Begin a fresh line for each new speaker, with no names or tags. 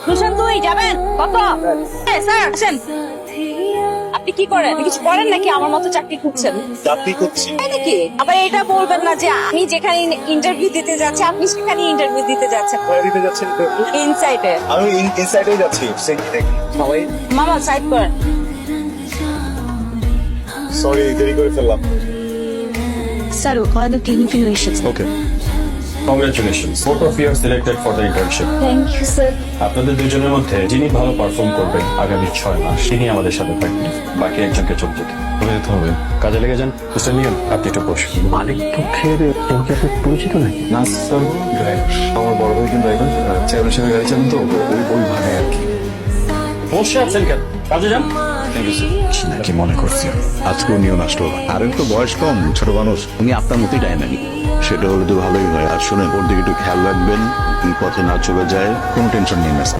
দুশান 2 যাবেন কত? স্যার আসেন। আপনি কি করেন? কিছু করেন নাকি আমার মতো চাকরি খুঁজছেন?
চাকরি করছি।
তাই নাকি? আবার এটা বলবেন না যে আমি যেখানে ইন্টারভিউ দিতে যাচ্ছি আপনি সেখানে ইন্টারভিউ দিতে যাচ্ছেন।
কোথায় দিতে যাচ্ছেন?
ইনসাইডে।
আমি ইনসাইডেই যাচ্ছি। সবাই
মামা সাইড করেন।
সরি, দেরি করে ফেললাম।
স্যার ওখানে ক্লিনিক্যাল এসেছে।
Okay, congratulations, both of you are selected for the internship.
Thank you sir.
আপনাদের দুজনের মধ্যে যিনি ভালো পারফর্ম করবেন আগামী 6 মাস তিনি আমাদের সাথে থাকবেন, বাকি একজনকে চলে যেতে হবে। কাজে লেগে যান। মিস্টার নিয়ন, আপনি একটু বসুন। মালিক পক্ষের কেউ কি আপনার পরিচিত নাকি?
না স্যার, ড্রাইভার আমার বড় ভাই কিন্তু ড্রাইভার, চেয়ারম্যান সাহেবের গাড়ি চালান তো, ওই ভাড়ে আর কি।
বসে আছেন কেন? কাজে যান। Thank you sir.
কি মনে করছি আজকেও নিয়ন আসলো? আর তো বয়স কম, ছোট মানুষ, উনি আপনার মতোই ডাইনামিক। সেটা হলে তো ভালোই হয়। আর শোনেন, ওর দিকে একটু খেয়াল রাখবেন, পথে না চলে যায়। কোনো টেনশন নেই না।